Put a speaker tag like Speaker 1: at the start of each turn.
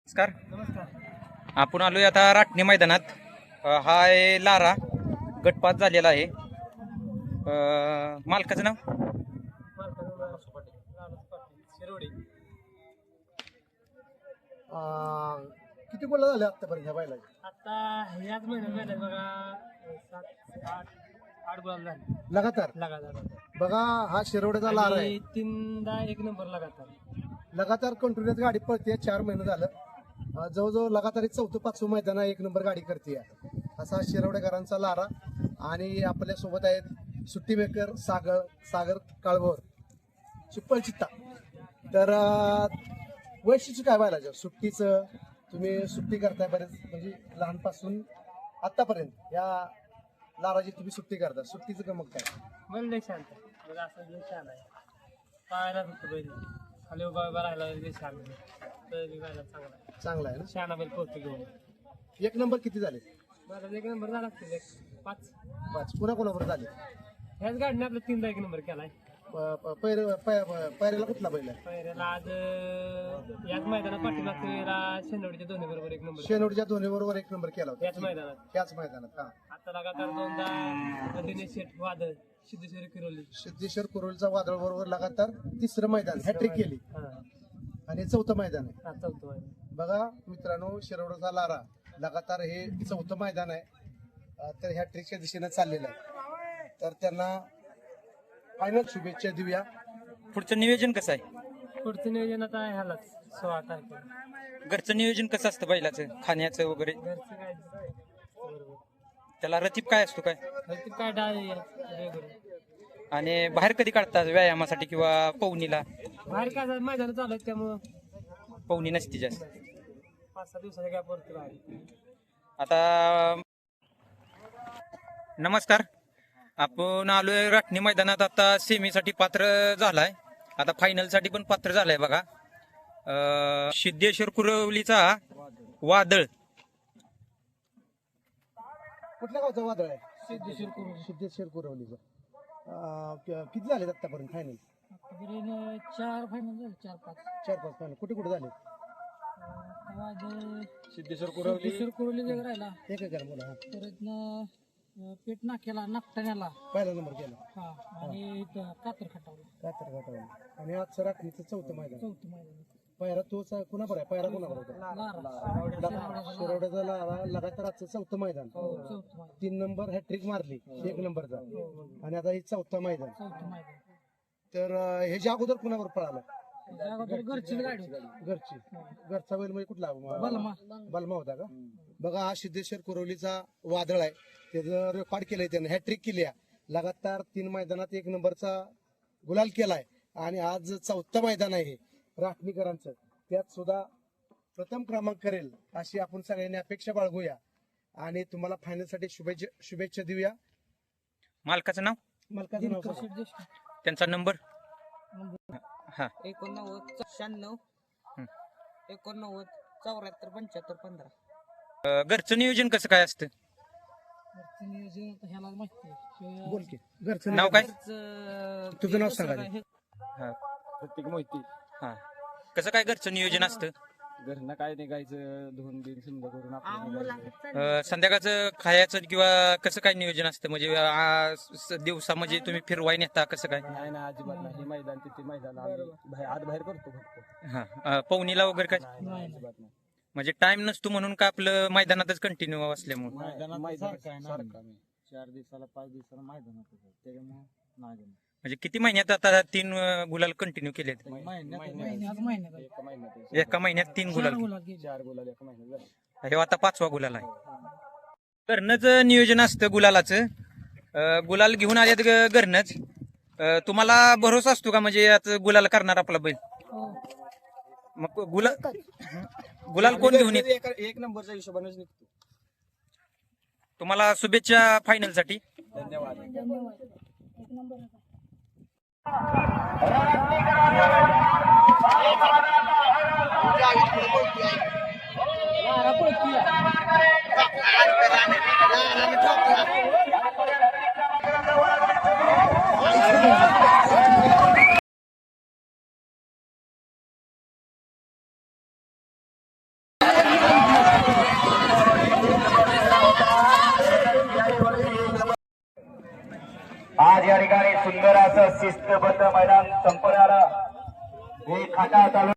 Speaker 1: नमस्कार.
Speaker 2: नमस्कार.
Speaker 1: आपण आलोय आता राटणी मैदानात. हा आहे लारा, गटपात झालेला आहे. मालकाचं नाव
Speaker 2: शिरोडी.
Speaker 3: किती गोल झाले आतापर्यंत ह्या बैलाचे?
Speaker 2: आता याच महिन्यात झाले बघा 7-8 गोल झाले
Speaker 3: लगातार. बघा हा शिरोड्याचा लारा आहे.
Speaker 2: आणि 3दा 1 नंबर
Speaker 3: लगातार कंटिन्युअस गाडी पळते. 4 महिने झालं. जवळजवळ लगातार 4-5 मैदान 1 नंबर गाडी करते. असा शिरोडेकरांचा लारा. आणि आपल्या सोबत आहेत सुट्टी मेकर सागर काळभोर, चिप्पल चित्ता. तर वैशिष्ट्य काय बैलाचं सुट्टीचं? तुम्ही सुट्टी करताय बरेच, म्हणजे लहानपासून आतापर्यंत या लाराची तुम्ही सुट्टी करता. सुट्टीचं का मग काय?
Speaker 2: मला लय शांत आहे. मला असं लय छान आहे. पाहायला फक्त बैल खाली उभा राहिला लय छान आहे. तर चांगला आहे.
Speaker 3: चांगला आहे ना.
Speaker 2: शहाणा बैल पोहोचतो घेऊन.
Speaker 3: 1 नंबर किती झाले?
Speaker 2: मला 1 नंबर झाला असतील 5.
Speaker 3: पुन्हा कोणावर झाले?
Speaker 2: ह्याच गाडीने आपला 3दा 1 नंबर केलाय.
Speaker 3: पैरेला कुठला बैल आहे?
Speaker 2: पहिल्याला आज याच मैदानात पाठीमागच्या वेळेला शेनवडीच्या दोन्ही बरोबर 1 नंबर.
Speaker 3: शेनोडच्या दोन्ही बरोबर 1 नंबर केला होता
Speaker 2: याच मैदानात.
Speaker 3: त्याच मैदानात. हा,
Speaker 2: आता लगातार 2दा दिनेश शेठ वादळ सिद्धेश्वरी किरोली.
Speaker 3: सिद्धेश्वर कुरोलीचा वादळ बरोबर लगातार 3रं मैदान हॅट्रिक केली. आणि 4थं मैदान आहे.
Speaker 2: 4थं मैदान.
Speaker 3: बघा मित्रांनो, शिरोडचा लारा लगातार हे 4थं मैदान आहे. तर हॅट्रिकच्या दिशेने चाललेलं आहे. तर त्यांना फायनल शुभेच्छा देऊया.
Speaker 1: पुढचं नियोजन कसं आहे?
Speaker 2: पुढचं नियोजन आता ह्यालाच 16 तारखेला.
Speaker 1: घरचं नियोजन कसं असतं बैलाचं, खाण्याचं वगैरे?
Speaker 2: घरचं काय बरोबर.
Speaker 1: त्याला रतीब काय असतो काय?
Speaker 2: घरचं काय डाळ वेगळं.
Speaker 1: आणि बाहेर कधी काढतात व्यायामासाठी किंवा पवनीला?
Speaker 2: बाहेर काय मैदान चालू आहेत त्यामुळं
Speaker 1: पवनी नसती जास्त.
Speaker 2: 5-6 दिवसाच्या गॅपवरती बाहेर.
Speaker 1: आता नमस्कार. आपण आलोय राटणी मैदानात. आता सेमीसाठी पात्र झालाय, आता फायनल साठी पण पात्र झालाय. बघा सिद्धेश्वर कुरवलीचा वादळ.
Speaker 3: कुठल्या गावचा वादळ आहे?
Speaker 2: सिद्धेश्वर कुरोली.
Speaker 3: सिद्धेश्वर कुरवलीचा. किती झाले आतापर्यंत फायनल?
Speaker 2: 4 फायनल झाले. 4-5.
Speaker 3: 4-5 फायनल. कुठे झाले?
Speaker 2: सिद्धेश्वर कुरोली जग राहिला.
Speaker 3: एक बोला.
Speaker 2: परत पेट नाक्याला नागठाण्याला
Speaker 3: पहिला नंबर केला.
Speaker 2: आणि कातर खटावला.
Speaker 3: आणि आजचं राखणीचं 4थं मैदान.
Speaker 2: 4थं मैदान.
Speaker 3: पायरा तोच कुणाबर आहे? पायरा कुणाबर होता? शिरोड्याचा लारा. लगातार आजचं 4थं मैदान. 3 नंबर हॅट्रिक मारली 1 नंबरचा. आणि आता हे 4थं मैदान. तर ह्याच्या अगोदर कुणावर पळाला?
Speaker 2: घरचीच गाडी.
Speaker 3: घरचा बैल म्हणजे कुठला? बलमा होता का? बघा हा सिद्धेश्वर कुरवलीचा वादळ आहे. त्याचं रेकॉर्ड केलंय त्यानं. हॅट्रिक केली आहे. लगातार 3 मैदानात 1 नंबरचा गुलाल केलाय. आणि आज 4थं मैदान आहे राटणीकरांचं. त्यात सुद्धा प्रथम क्रमांक करेल अशी आपण सगळ्यांनी अपेक्षा बाळगूया. आणि तुम्हाला फायनल साठी शुभेच्छा देऊया.
Speaker 1: मालकाचं नाव?
Speaker 3: मालकाचं नाव?
Speaker 1: त्यांचा नंबर?
Speaker 2: 89 96 89 74 75 15.
Speaker 1: घरचं नियोजन कसं काय असतं?
Speaker 2: ह्याला माहिती.
Speaker 3: बोल की. घरचं
Speaker 1: नाव काय?
Speaker 3: तुझं नाव सांगा.
Speaker 4: प्रत्येक माहिती.
Speaker 1: हा, कसं काय घरचं नियोजन असतं?
Speaker 4: घरनं काय निघायचं, धुवून बिन समजा करून आपलं
Speaker 1: संध्याकाळचं खायचं किंवा कसं काय नियोजन असतं? म्हणजे दिवसा म्हणजे तुम्ही फिरवाय नेता कसं काय?
Speaker 4: नाही ना, अजिबात नाही. हे मैदान तिथे मैदान आम्ही आत बाहेर करतो फक्त.
Speaker 1: हा, पवनीला वगैरे काय?
Speaker 4: नाही, अजिबात नाही.
Speaker 1: म्हणजे टाइम नसतो म्हणून का आपलं मैदानातच कंटिन्यू असल्यामुळे?
Speaker 4: मैदान सारखं आम्ही 4 दिवसाला 5 दिवसाला मैदान होतं त्याच्यामुळे नाही.
Speaker 1: म्हणजे किती महिन्यात आता 3 गुलाल कंटिन्यू केलेत? एका महिन्यात 3 गुलाल.
Speaker 4: 4 गुलाल एका महिन्यात झाले.
Speaker 1: हे आता 5वा गुलाल आहे. घरनंच नियोजन असतं गुलालाचं. गुलाल घेऊन आल्यात घरनंच. तुम्हाला भरोसा असतो का म्हणजे आता गुलाल करणार आपला बैल? मग गुलाल कोण घेऊन येत?
Speaker 4: 1 नंबरच्या हिशोबानेच निघतो.
Speaker 1: तुम्हाला शुभेच्छा फायनल साठी.
Speaker 4: धन्यवाद.
Speaker 5: आज या ठिकाणी सुंदर असं शिस्तबद्ध मैदान संपन्न झालं. हे खाटा चालू